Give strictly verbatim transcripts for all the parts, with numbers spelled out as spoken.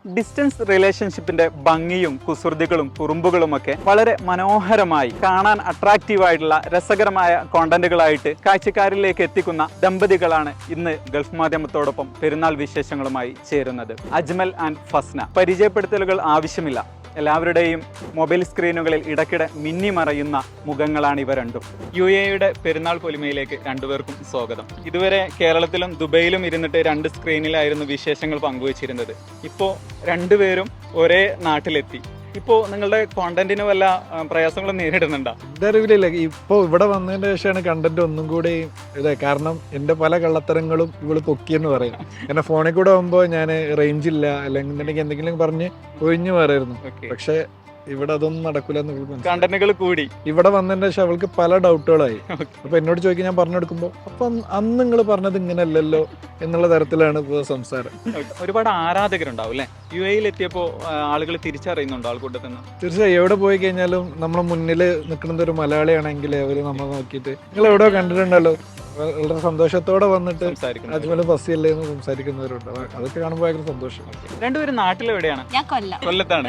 Distance റിലേഷൻഷിപ്പിന്റെ ഭംഗിയും കുസൃതികളും കുറുമ്പുകളുമൊക്കെ വളരെ മനോഹരമായി കാണാൻ അട്രാക്റ്റീവ് ആയിട്ടുള്ള രസകരമായ കോണ്ടന്റുകളായിട്ട് കാഴ്ചക്കാരിലേക്ക് എത്തിക്കുന്ന ദമ്പതികളാണ് ഇന്ന് ഗൾഫ് മാധ്യമത്തോടൊപ്പം പെരുന്നാൾ വിശേഷങ്ങളുമായി ചേരുന്നത്. അജ്മൽ ആൻഡ് ഫസ്ന. പരിചയപ്പെടുത്തലുകൾ ആവശ്യമില്ല, എല്ലാവരുടെയും മൊബൈൽ സ്ക്രീനുകളിൽ ഇടയ്ക്കിടെ മിന്നിമറയുന്ന മുഖങ്ങളാണ് ഇവ രണ്ടും. യു എയുടെ പെരുന്നാൾ പൊലിമയിലേക്ക് രണ്ടുപേർക്കും സ്വാഗതം. ഇതുവരെ കേരളത്തിലും ദുബൈയിലും ഇരുന്നിട്ട് രണ്ട് സ്ക്രീനിലായിരുന്നു വിശേഷങ്ങൾ പങ്കുവച്ചിരുന്നത്. ഇപ്പോൾ രണ്ടുപേരും ഒരേ നാട്ടിലെത്തി. ഇപ്പോൾ നിങ്ങളുടെ കോണ്ടന്റിന് വല്ല പ്രയാസങ്ങളും നേരിടുന്നുണ്ടോ? എന്റെ അറിവിലില്ല. ഇപ്പോൾ ഇവിടെ വന്നതിന് ശേഷമാണ് കണ്ടന്റ് ഒന്നും കൂടി ഇതായി. കാരണം എന്റെ പല കള്ളത്തരങ്ങളും ഇവള് പൊക്കിയെന്ന് പറയും. എന്നെ ഫോണിൽ കൂടെ ആകുമ്പോൾ ഞാൻ റേഞ്ച് ഇല്ല അല്ലെങ്കിൽ എന്തെങ്കിലും പറഞ്ഞ് ഒഴിഞ്ഞു മാറായിരുന്നു. പക്ഷെ ഇവിടെ അതൊന്നും നടക്കൂല. കണ്ടന്റുകൾ കൂടി ഇവിടെ വന്നതിന്റെ ശേഷം അവൾക്ക് പല ഡൗട്ടുകളായി. അപ്പൊ എന്നോട് ചോദിക്കാൻ ഞാൻ പറഞ്ഞു കൊടുക്കുമ്പോ അപ്പൊ അന്ന് നിങ്ങൾ പറഞ്ഞത് ഇങ്ങനെയല്ലല്ലോ എന്നുള്ള തരത്തിലാണ് ഇപ്പൊ സംസാരം. ഒരുപാട് ആരാധകരുണ്ടാവും അല്ലെ? യു എയിൽ എത്തിയപ്പോ ആളുകൾ തിരിച്ചറിയുന്നുണ്ടോ ആൾക്കൂട്ടത്തിൽ? തീർച്ചയായും എവിടെ പോയി കഴിഞ്ഞാലും നമ്മളെ മുന്നിൽ നിൽക്കുന്നത് ഒരു മലയാളിയാണെങ്കിൽ അവര് നമ്മളെ നോക്കിയിട്ട് നിങ്ങൾ എവിടെയോ കണ്ടിട്ടുണ്ടല്ലോ, വളരെ സന്തോഷത്തോടെ വന്നിട്ട് അജ്മലും ഫസിയല്ലേ എന്ന് സംസാരിക്കുന്നവരുണ്ട്. അതൊക്കെ കാണുമ്പോൾ ഭയങ്കര സന്തോഷം. രണ്ടുപേരും നാട്ടിലെവിടെയാണ്? ഞാൻ കൊല്ലം. കൊല്ലത്താണ്.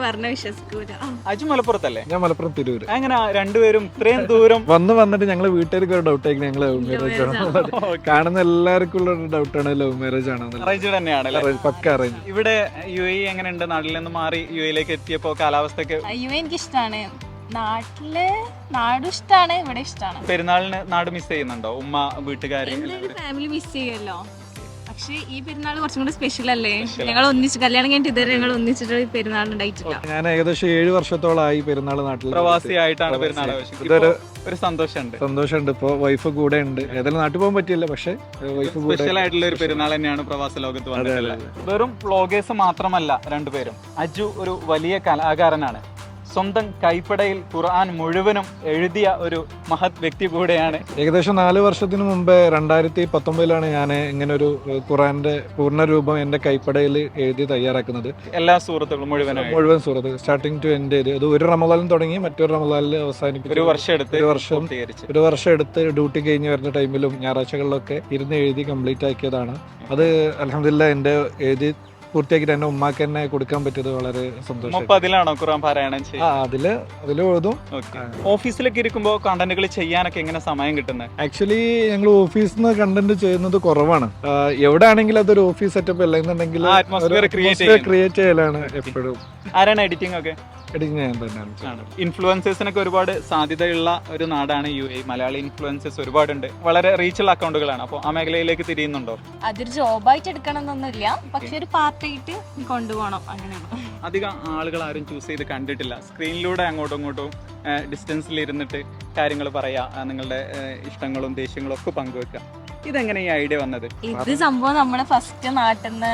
അജു മലപ്പുറത്തല്ലേ? ഞാൻ മലപ്പുറം തിരൂര്. അങ്ങനെ രണ്ടുപേരും ഇത്രയും ദൂരം വന്ന് വന്നിട്ട് ഞങ്ങള് വീട്ടുകാർക്ക് ഒരു ഡൗട്ട് ആയിരിക്കും ഞങ്ങൾ ലവ് മാരേജ് ആണെന്നുള്ളത്. കാണുന്ന എല്ലാവർക്കും ഉള്ള ഒരു ഡൗട്ടാണ് ലവ് മാരേജ് ആണെന്നുള്ളത്. അറേഞ്ച് തന്നെയാണ്. പക്ക അറേഞ്ച്. ഇവിടെ യു എ എങ്ങനെയുണ്ട്? നാട്ടിൽ നിന്ന് മാറി യു എയിലേക്ക് എത്തിയപ്പോ കാലാവസ്ഥക്ക്? യു എ എനിക്ക് ഇഷ്ടമാണ്. നാട്ടില് നാടും ഇഷ്ടമാണ്, ഇവിടെ ഇഷ്ടമാണ്. പെരുന്നാളിന് നാട് മിസ് ചെയ്യുന്നുണ്ടോ? ഉമ്മ, വീട്ടുകാര്, ഫാമിലി മിസ് ചെയ്യുമല്ലോ. പക്ഷെ ഈ പെരുന്നാൾ കുറച്ചും കൂടി സ്പെഷ്യൽ അല്ലേ? ഞങ്ങൾ ഒന്നിച്ച് കല്യാണം കഴിഞ്ഞിട്ട് ഇതുവരെ ഞങ്ങൾ ഒന്നിച്ചിട്ട് പെരുന്നാൾ ഉണ്ടായിട്ടില്ല. ഞാൻ ഏകദേശം ഏഴ് വർഷത്തോളമായി പെരുന്നാൾ നാട്ടിൽ പ്രവാസിയായിട്ടാണ് പെരുന്നാൾ. ഒരു സന്തോഷമുണ്ട് സന്തോഷമുണ്ട് ഇപ്പൊ വൈഫ് കൂടെ ഉണ്ട്. ഏതായാലും നാട്ടിൽ പോകാൻ പറ്റില്ല, പക്ഷെ വൈഫ് കൂടെ. സ്പെഷ്യൽ ആയിട്ടുള്ള ഒരു പെരുന്നാൾ തന്നെയാണ് പ്രവാസ ലോകത്ത് വന്നിട്ടുള്ളത്. വെറും വ്ളോഗേഴ്സ് മാത്രമല്ല രണ്ടുപേരും. അജു ഒരു വലിയ കലാകാരനാണ്. സ്വന്തം കൈപ്പടയിൽ ഖുർആൻ മുഴുവനും എഴുതിയ ഒരു മഹത് വ്യക്തി കൂടെയാണ്. ഏകദേശം നാല് വർഷത്തിന് മുമ്പ് രണ്ടായിരത്തി പത്തൊമ്പതിലാണ് ഞാൻ ഇങ്ങനെ ഒരു ഖുർആന്റെ പൂർണ്ണ രൂപം എന്റെ കൈപ്പടയിൽ എഴുതി തയ്യാറാക്കുന്നത്. എല്ലാ സൂറത്തുകളും മുഴുവൻ മുഴുവൻ സൂറത്ത് സ്റ്റാർട്ടിങ് ടു എൻഡ് ചെയ്ത്. അത് ഒരു റമദാനിൽ തുടങ്ങി മറ്റൊരു റമദാനിൽ അവസാനിപ്പിച്ചു. ഒരു വർഷം എടുത്ത് ഒരു വർഷം ഒരു വർഷം എടുത്ത് ഡ്യൂട്ടി കഴിഞ്ഞ് വരുന്ന ടൈമിലും ഞായറാഴ്ചകളിലൊക്കെ ഇരുന്ന് എഴുതി കംപ്ലീറ്റ് ആക്കിയതാണ്. അത് അൽഹംദുലില്ലാഹ് എന്റെ എഴുതി പൂർത്തിയാക്കിട്ട് എന്റെ ഉമ്മാക്ക് തന്നെ കൊടുക്കാൻ പറ്റിയത് വളരെ സന്തോഷം. അതിലാണോ ഖുർആൻ പാരായണം ചെയ്യുന്നത്? അതില് അതില് എഴുതും. ഓഫീസിലൊക്കെ ഇരിക്കുമ്പോൾ കണ്ടന്റുകൾ ചെയ്യാനൊക്കെ എങ്ങനെ സമയം കിട്ടുന്നത്? ആക്ച്വലി ഞങ്ങൾ ഓഫീസിൽ നിന്ന് കണ്ടന്റ് ചെയ്യുന്നത് കുറവാണ്. എവിടെ ആണെങ്കിലും അതൊരു ഓഫീസ് സെറ്റപ്പ് അല്ലെന്നുണ്ടെങ്കിൽ ക്രിയേറ്റ് ചെയ്യലാണ് എപ്പോഴും. ആരാണ് എഡിറ്റിംഗ് ഒക്കെ? എഡിറ്റിംഗ് ഇൻഫ്ലുവൻസേഴ്സിനൊക്കെ ഒരുപാട് സാധ്യതയുള്ള ഒരു നാടാണ് യു എ. മലയാളി ഇൻഫ്ലുവൻസേഴ്സ് ഒരുപാടുണ്ട്. വളരെ റീച്ചുള്ള അക്കൗണ്ടുകളാണ്. അപ്പോൾ ആ മേഖലയിലേക്ക് തിരിയുന്നുണ്ടോ? അതൊരു ജോബായിട്ട് എടുക്കണം എന്നൊന്നുമില്ല, പക്ഷെ ഒരു പാർട്ടായിട്ട് കൊണ്ടുപോകണം, അങ്ങനെയാണ്. അധികം ആളുകൾ ആരും ചൂസ് ചെയ്ത് കണ്ടിട്ടില്ല. സ്ക്രീനിലൂടെ അങ്ങോട്ടും ഇങ്ങോട്ടും ഡിസ്റ്റൻസിൽ ഇരുന്നിട്ട് കാര്യങ്ങൾ പറയാ, നിങ്ങളുടെ ഇഷ്ടങ്ങളും ദേഷ്യങ്ങളും ഒക്കെ പങ്കുവെക്കുക. ഇതെങ്ങനെ ഈ ഐഡിയ വന്നത്? ഇത് സംഭവം നമ്മുടെ ഫസ്റ്റ് നാട്ടിൽ നിന്ന്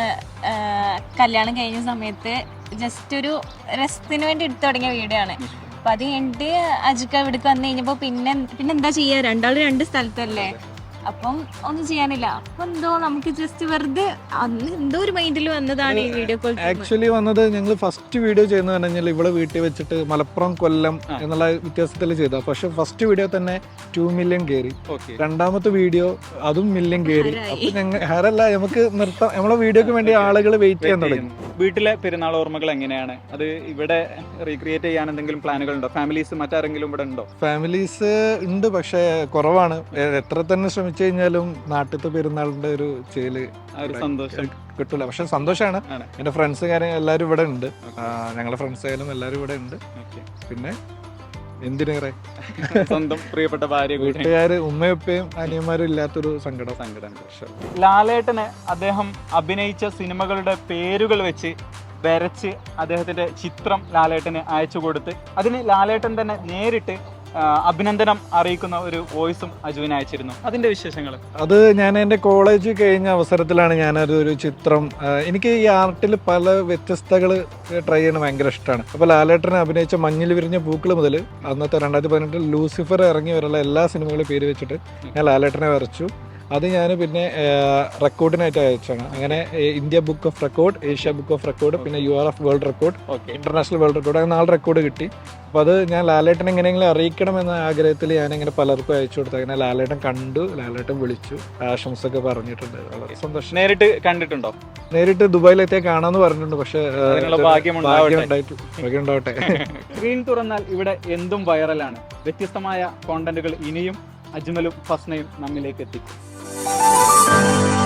കല്യാണം കഴിഞ്ഞ സമയത്ത് ജസ്റ്റ് ഒരു രസത്തിന് വേണ്ടി എടുത്തു തുടങ്ങിയ വീഡിയോ ആണ്. അപ്പൊ അത് കഴിഞ്ഞിട്ട് അജുക്ക ഇവിടേക്ക് വന്നു കഴിഞ്ഞപ്പോ പിന്നെ പിന്നെ എന്താ ചെയ്യാ, രണ്ടാളും രണ്ട് സ്ഥലത്തല്ലേ, അപ്പം ഒന്നും ചെയ്യാനില്ല. അപ്പൊ എന്തോ നമുക്ക് ജസ്റ്റ് വെറുതെ അന്ന് എന്തോ ഒരു മൈൻഡിൽ വന്നതാണ് ഈ വീഡിയോ കോൾ. ആക്ച്വലി വന്നത് ഞങ്ങൾ ഫസ്റ്റ് വീഡിയോ ചെയ്യുന്നത് പറഞ്ഞാൽ ഇവിടെ വീട്ടിൽ വെച്ചിട്ട് മലപ്പുറം കൊല്ലം എന്നുള്ള വ്യത്യാസത്തിൽ ചെയ്ത. പക്ഷെ ഫസ്റ്റ് വീഡിയോ തന്നെ ടു മില്യൺ കയറി. രണ്ടാമത്തെ വീഡിയോ അതും മില്യൺ കയറി. അപ്പൊ ഞങ്ങൾ ഹരല്ല നമുക്ക് നിർത്താം, നമ്മളെ വീഡിയോക്ക് വേണ്ടി ആളുകൾ വെയിറ്റ് ചെയ്യാൻ തുടങ്ങി. വീട്ടിലെ പെരുന്നാൾ ഓർമ്മകൾ എങ്ങനെയാണ്? അത് ഇവിടെ റീക്രിയേറ്റ് ചെയ്യാൻ എന്തെങ്കിലും പ്ലാനുകൾ ഉണ്ടോ? ഫാമിലീസ് മറ്റാരെങ്കിലും ഇവിടെ ഉണ്ടോ? ഫാമിലീസ് ഉണ്ട്, പക്ഷെ കുറവാണ്. എത്ര തന്നെ ശ്രമിച്ചു കഴിഞ്ഞാലും നാട്ടിലത്തെ പെരുന്നാളിന്റെ ഒരു ചേല് സന്തോഷം കിട്ടൂല. പക്ഷെ സന്തോഷമാണ്. എന്റെ ഫ്രണ്ട്സ് കാര്യം എല്ലാവരും ഇവിടെ ഉണ്ട്. ഞങ്ങളുടെ ഫ്രണ്ട്സ് ആയാലും എല്ലാവരും ഇവിടെ ഉണ്ട്. പിന്നെ എന്തിനേറെ സ്വന്തം പ്രിയപ്പെട്ട ഭാര്യ, വീട്ടുകാര്, ഉമ്മയുപ്പയും അനിയന്മാരും ഇല്ലാത്തൊരു സങ്കടം സങ്കടം ലാലേട്ടന് അദ്ദേഹം അഭിനയിച്ച സിനിമകളുടെ പേരുകൾ വെച്ച് വരച്ച് അദ്ദേഹത്തിന്റെ ചിത്രം ലാലേട്ടന് അയച്ചു കൊടുത്ത് അതിന് ലാലേട്ടൻ തന്നെ നേരിട്ട് അഭിനന്ദനം അറിയിക്കുന്ന ഒരു വോയിസും അജുവിന് അയച്ചിരുന്നു. അതിന്റെ വിശേഷങ്ങൾ? അത് ഞാൻ എൻ്റെ കോളേജ് കഴിഞ്ഞ അവസരത്തിലാണ് ഞാനതൊരു ചിത്രം, എനിക്ക് ഈ ആർട്ടിൽ പല വ്യത്യസ്തകൾ ട്രൈ ചെയ്യണം ഭയങ്കര ഇഷ്ടമാണ്. അപ്പോൾ ലാലേട്ടനെ അഭിനയിച്ച മഞ്ഞിൽ വിരിഞ്ഞ പൂക്കൾ മുതൽ അന്നത്തെ രണ്ടായിരത്തി പതിനെട്ടിൽ ലൂസിഫർ ഇറങ്ങി വരെയുള്ള എല്ലാ സിനിമകളും പേര് വെച്ചിട്ട് ഞാൻ ലാലേട്ടനെ വരച്ചു. അത് ഞാൻ പിന്നെ റെക്കോർഡിനായിട്ട് അയച്ചാണ്. അങ്ങനെ India book of record, Asia book of record, പിന്നെ U R F world record, international world record, അങ്ങനെ നാല് റെക്കോർഡ് കിട്ടി. അപ്പോൾ അത് ഞാൻ ലാലേട്ടൻ എങ്ങനെയെങ്കിലും അറിയിക്കണം എന്ന ആഗ്രഹത്തിൽ ഞാനിങ്ങനെ പലർക്കും അയച്ചു കൊടുത്തു. അങ്ങനെ ലാലേട്ടൻ കണ്ടു, ലാലേട്ടൻ വിളിച്ചു, ആശംസ ഒക്കെ പറഞ്ഞിട്ടുണ്ട്. വളരെ സന്തോഷം. നേരിട്ട് കണ്ടിട്ടുണ്ടോ? നേരിട്ട് ദുബായിലെത്തിയാൽ കാണാമെന്ന് പറഞ്ഞിട്ടുണ്ട്. പക്ഷേ ഭാഗ്യം ഉണ്ടായിട്ട് ഭാഗ്യം ഉണ്ടാവട്ടെ. സ്ക്രീൻ തുറന്നാൽ ഇവിടെ എന്തും വൈറലാണ്. വ്യത്യസ്തമായ കോണ്ടന്റുകൾ ഇനിയും അജ്മലും ഫസ്നയും നമ്മിലേക്ക് എത്തിക്കും.